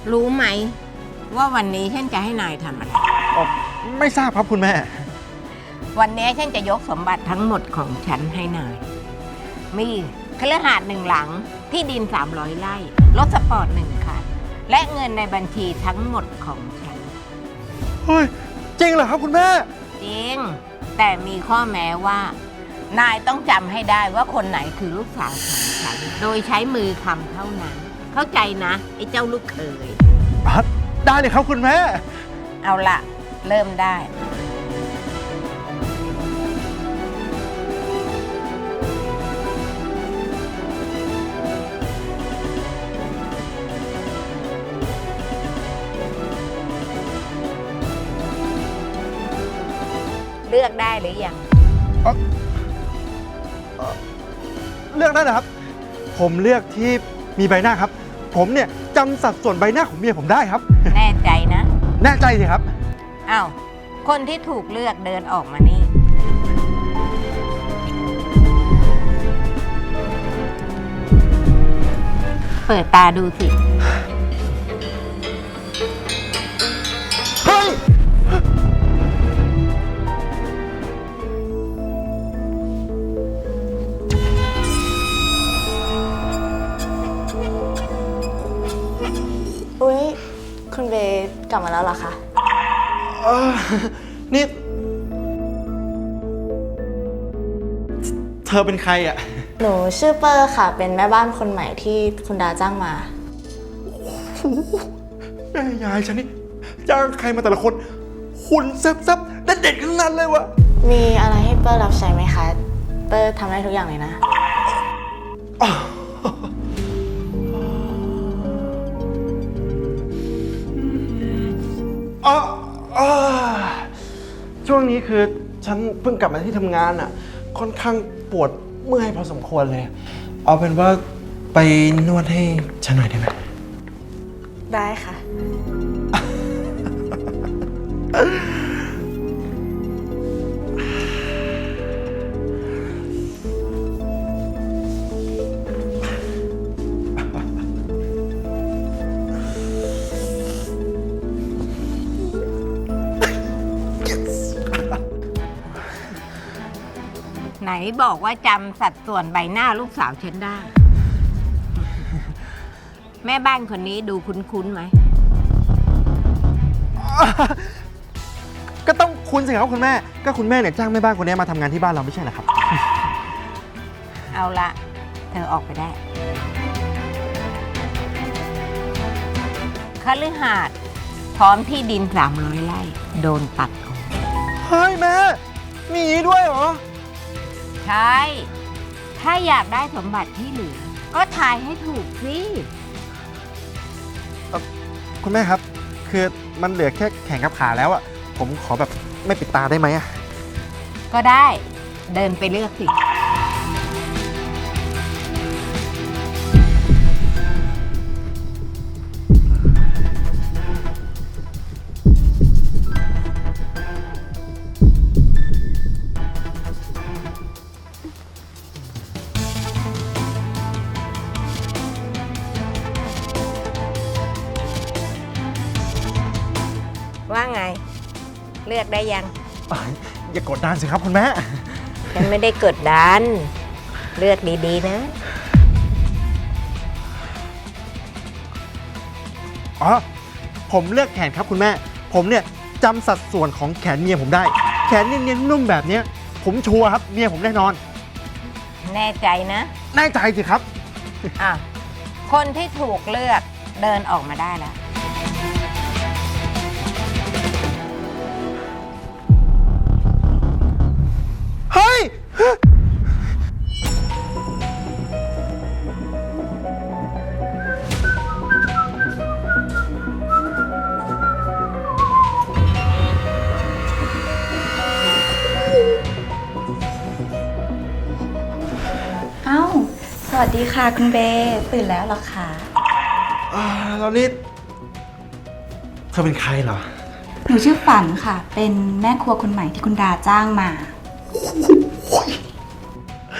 รู้ไหมว่าวันนี้ฉันจะให้นายทำอะไรไม่ทราบครับคุณแม่วันนี้ฉันจะยกสมบัติทั้งหมดของฉันให้นาย มีคฤหาสน์1 หลัง ที่ดิน300 ไร่ รถสปอร์ต1 คัน และเงินในบัญชีทั้งหมดของฉันเฮ้ย จริงเหรอครับคุณแม่จริง แต่มีข้อแม้ว่า นายต้องจำให้ได้ว่าคนไหนคือลูกสาวของฉัน โดยใช้มือคำเท่านั้น เข้าใจนะไอ้เจ้าลูกเขยได้เลยครับคุณแม่เอาละเริ่มได้ เลือกได้หรือยังเลือกได้นะครับ ผมเลือกที่มีใบหน้าครับ ผมเนี่ยจำสัดส่วนใบหน้าของเมียผมได้ครับแน่ใจนะแน่ใจสิครับอ้าว คนที่ถูกเลือกเดินออกมานี่ เปิดตาดูสิเฮ้ยอุ๊ย คุณเบย์กลับมาแล้วเหรอคะเออนี่ เธอเป็นใครอ่ะหนูชื่อเปอร์ค่ะ เป็นแม่บ้านคนใหม่ที่คุณดาจ้างมาแม่ยายฉันนี่จ้างใครมาแต่ละคนหุ่นแซ่บๆเด็ดๆทั้งนั้นเลยวะมีอะไรให้เปอร์รับใช้ไหมคะ เปอร์ทำได้ทุกอย่างเลยนะอ๋ออ๋อช่วงนี้คือฉันเพิ่งกลับมาที่ทำงานอ่ะ ค่อนข้างปวดเมื่อยพอสมควรเลย เอาเป็นว่าไปนวดให้ฉันหน่อยได้ไหมได้ค่ะไหนบอกว่าจำสัดส่วนใบหน้าลูกสาวฉันได้ แม่บ้านคนนี้ดูคุ้นๆไหมก็ต้องคุณสิครับคุณแม่ ก็คุณแม่เนี่ยจ้างแม่บ้านคนนี้มาทำงานที่บ้านเราไม่ใช่เหรอครับเอาละเธอออกไปได้คฤหาสน์พร้อมที่ดิน300 ไร่ โดนตัดออกเฮ้ยแม่ มีอย่างนี้ด้วยเหรอใช่ ถ้าอยากได้สมบัติที่เหลือ ก็ทายให้ถูกสิคุณแม่ครับ คือมันเหลือแค่แขนกับขาแล้วอะผมขอแบบไม่ปิดตาได้ไหมอะก็ได้ เดินไปเลือกสิ ว่าไง เลือกได้ยังอย่ากดดันสิครับคุณแม่ฉันไม่ได้กดดัน เลือกดีๆนะอ๋อ ผมเลือกแขนครับคุณแม่ ผมเนี่ยจำสัดส่วนของแขนเมียผมได้ แขนเนียนๆนุ่มแบบเนี้ยผมชัวร์ครับเมียผมแน่นอนแน่ใจนะแน่ใจสิครับอ่ะ คนที่ถูกเลือกเดินออกมาได้แล้วเฮ้ยเอ้า สวัสดีค่ะคุณเบย์ตื่นแล้วเหรอคะแล้วนี่เธอเป็นใครเหรอหนูชื่อฝันค่ะ เป็นแม่ครัวคนใหม่ที่คุณดาจ้างมา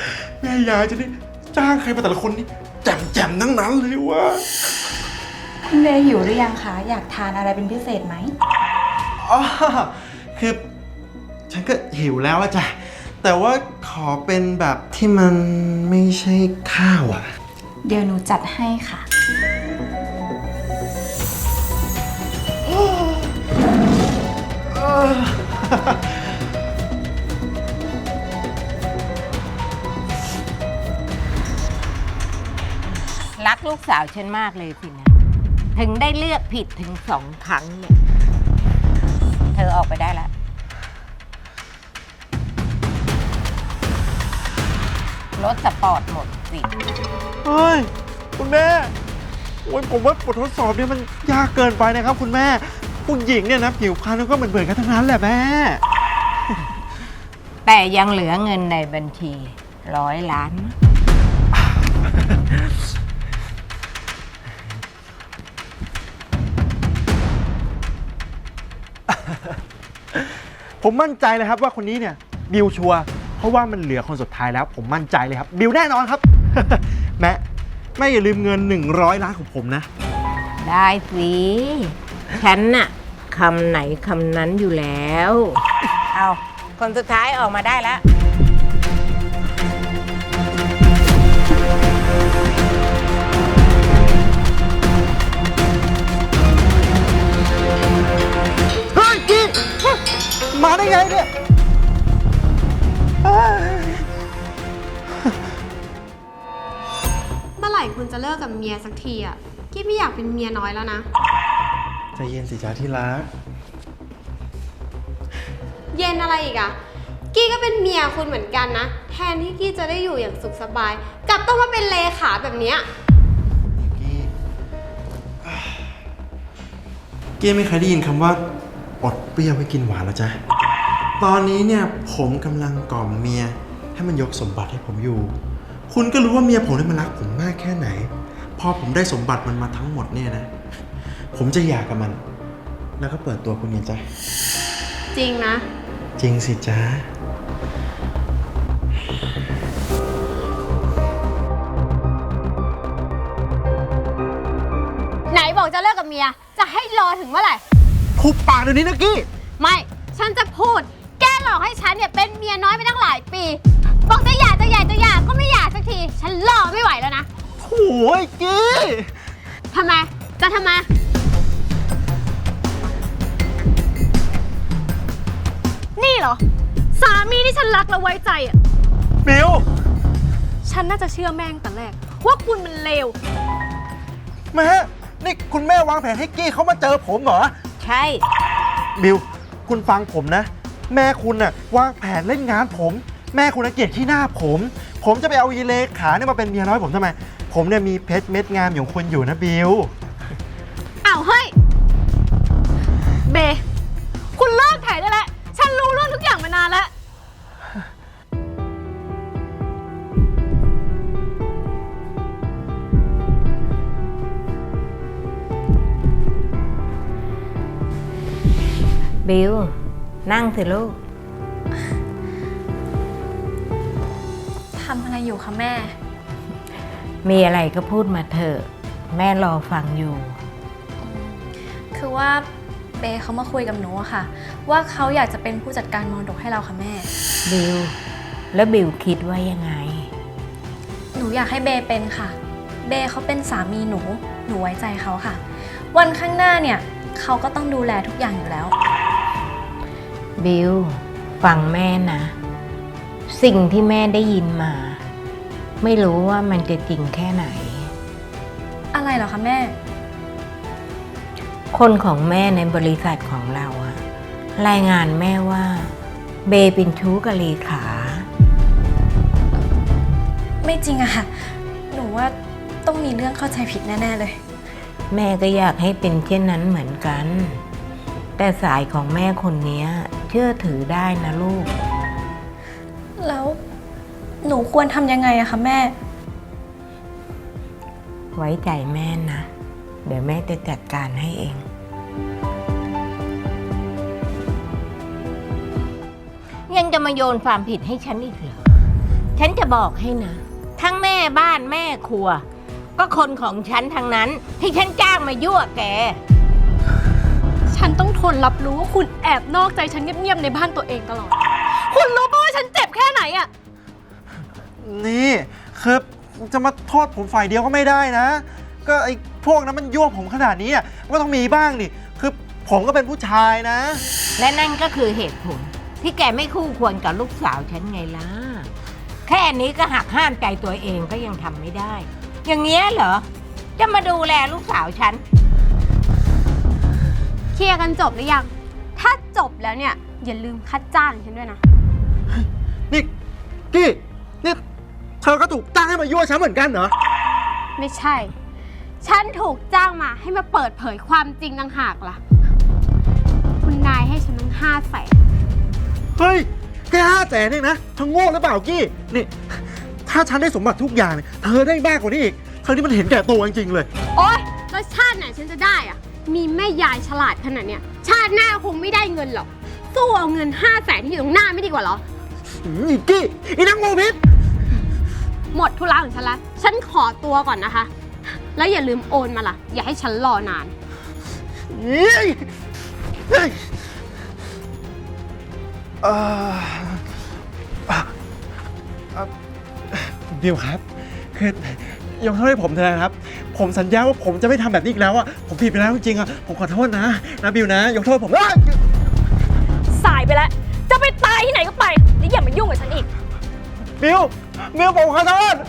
แม่ยายจะนี่จ้างใครมาแต่ละคนนี่แจ่มๆทั้งนั้นเลยวะคุณเบย์หิวหรือยังคะ อยากทานอะไรเป็นพิเศษไหมอ๋อ คือฉันก็หิวแล้วอะจ้ะ แต่ว่าขอเป็นแบบที่มันไม่ใช่ข้าวอะเดี๋ยวหนูจัดให้ค่ะรักลูกสาวฉันมากเลยสินะ ถึงได้เลือกผิดถึง2 ครั้งเนี่ย เธอออกไปได้แล้ว รถสปอร์ตหมดสิเฮ้ย คุณแม่ โอ้ยผมว่าบททดสอบเนี่ยมันยากเกินไปนะครับคุณแม่ ผู้หญิงเนี่ยนะผิวพรรณก็เหมือนกันทั้งนั้นแหละแม่แต่ยังเหลือเงินในบัญชี100 ล้านผมมั่นใจเลยครับว่าคนนี้เนี่ยบิวชัวร์เพราะว่ามันเหลือคนสุดท้ายแล้ว ผมมั่นใจเลยครับบิวแน่นอนครับ แม่อย่าลืมเงิน100 ล้านของผมนะได้สิ ฉันน่ะคำไหนคำนั้นอยู่แล้ว เอาคนสุดท้ายออกมาได้แล้วเฮ้ยกี้มาได้ไงเนี่ยเฮ้ยเมื่อไหร่คุณจะเลิกกับเมียสักทีอ่ะกี้ไม่อยากเป็นเมียน้อยแล้วนะใจเย็นสิจ้าที่รักเย็นอะไรอีกอ่ะ กี้ก็เป็นเมียคุณเหมือนกันนะ แทนที่กี้จะได้อยู่อย่างสุขสบาย กลับต้องมาเป็นเลขาแบบเนี้ยกี้ไม่เคยได้ยินคำว่าอดเปรี้ยวไว้กินหวานแล้วจ้ะ ตอนนี้เนี่ยผมกำลังกล่อมเมียให้มันยกสมบัติให้ผมอยู่ คุณก็รู้ว่าเมียผมเนี่ยมันรักผมมากแค่ไหน พอผมได้สมบัติมันมาทั้งหมดเนี่ยนะ ผมจะหย่ากับมัน แล้วก็เปิดตัวคุณเนี่ยจ้ะจริงนะจริงสิจ้าไหนบอกจะเลิกกับเมีย จะให้รอถึงเมื่อไหร่คุบปากเดี๋ยวนี้นะกี้ไม่ ฉันจะพูด แกหลอกให้ฉันเนี่ยเป็นเมียน้อยไปตั้งหลายปี บอกจะหย่าก็ไม่หย่าสักที ฉันรอไม่ไหวแล้วนะโอ้ยกี้ทำไม จะทำไม นี่เหรอ สามีที่ฉันรักและไว้ใจอ่ะบิวฉันน่าจะเชื่อแม่งแต่แรก ว่าคุณมันเลวแม่นี่คุณแม่วางแผนให้กี้เขามาเจอผมเหรอใช่บิว คุณฟังผมนะ แม่คุณน่ะวางแผนเล่นงานผม แม่คุณน่ะเกลียดขี้หน้าผม ผมจะไปเอายีเลขาเนี่ยมาเป็นเมียน้อยผมทำไม ผมเนี่ยมีเพชรเม็ดงามอย่างคุณอยู่นะบิวอ้าวเฮ้ย เบ คุณเลิกถ่ายได้แล้ว ฉันรู้เรื่องทุกอย่างมานานแล้วบิว นั่งสิลูกทำอะไรอยู่คะแม่มีอะไรก็พูดมาเถอะ แม่รอฟังอยู่คือว่าเบย์เขามาคุยกับหนูอะค่ะ ว่าเขาอยากจะเป็นผู้จัดการมรดกให้เราค่ะแม่บิว แล้วบิวคิดว่ายังไงหนูอยากให้เบย์เป็นค่ะ เบย์เขาเป็นสามีหนู หนูไว้ใจเขาค่ะ วันข้างหน้าเนี่ยเขาก็ต้องดูแลทุกอย่างอยู่แล้วบิว ฟังแม่นะ สิ่งที่แม่ได้ยินมา ไม่รู้ว่ามันจะจริงแค่ไหนอะไรเหรอคะแม่คนของแม่ในบริษัทของเราอะรายงานแม่ว่า เบเป็นชู้กับเลขาไม่จริงอะค่ะ หนูว่าต้องมีเรื่องเข้าใจผิดแน่ๆเลยแม่ก็อยากให้เป็นเช่นนั้นเหมือนกัน แต่สายของแม่คนนี้เชื่อถือได้นะลูกแล้วหนูควรทำยังไงอะคะแม่ไว้ใจแม่นะ เดี๋ยวแม่จะจัดการให้เอง ยังจะมาโยนความผิดให้ฉันอีกเหรอ ฉันจะบอกให้นะ ทั้งแม่บ้านแม่ครัวก็คนของฉันทางนั้นที่ฉันจ้างมายั่วแกฉันต้องทนรับรู้ว่าคุณแอบนอกใจฉันเงียบๆในบ้านตัวเองตลอด คุณรู้ปะว่าฉันเจ็บแค่ไหนอะนี่คือจะมาโทษผมฝ่ายเดียวก็ไม่ได้นะ ก็ไอ้พวกนั้นมันยั่วผมขนาดนี้อ่ะก็ต้องมีบ้างดิคือผมก็เป็นผู้ชายนะและนั่นก็คือเหตุผลที่แกไม่คู่ควรกับลูกสาวฉันไงล่ะ แค่นี้ก็หักห้ามใจตัวเองก็ยังทำไม่ได้ อย่างเงี้ยเหรอ จะมาดูแลลูกสาวฉันเคลียร์กันจบหรือยัง ถ้าจบแล้วเนี่ยอย่าลืมค่าจ้างฉันด้วยนะนี่กี้นี่เธอก็ถูกจ้างให้มายั่วฉันเหมือนกันเหรอไม่ใช่ ฉันถูกจ้างมาให้มาเปิดเผยความจริงต่างหากล่ะ คุณนายให้ฉันตั้ง500,000 เฮ้ยแค่500,000เองนะเธอโง่หรือเปล่ากี้นี่ถ้าฉันได้สมบัติทุกอย่างเนี่ยเธอได้มากกว่านี้อีกเธอนี่มันเห็นแก่ตัวจริงๆเลยโอ๊ยแล้วชาติไหนฉันจะได้อะมีแม่ยายฉลาดขนาดเนี้ยชาติหน้าคงไม่ได้เงินหรอก สู้เอาเงิน500,000ที่อยู่ตรงหน้าไม่ดีกว่าเหรออีกกี้อีนักโมพิษหมดธุระของฉันละ ฉันขอตัวก่อนนะคะ แล้วอย่าลืมโอนมาล่ะ อย่าให้ฉันรอนานเฮ้ยเฮ้ยเอ่อเอ่อบิวครับ คือยกโทษให้ผมเถอะนะครับ ผมสัญญาว่าผมจะไม่ทำแบบนี้อีกแล้วอ่ะผมผิดไปแล้วจริงๆอ่ะผมขอโทษนะบิวนะ ยกโทษผมสายไปแล้ว จะไปตายที่ไหนก็ไปแล้วอย่ามายุ่งกับฉันอีกบิวผมขอโทษ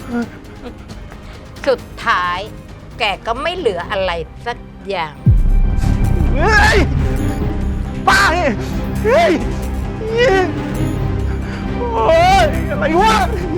สุดท้ายแกก็ไม่เหลืออะไรสักอย่างเฮ้ยป้าเฮ้ยโอ้ยอะไรวะ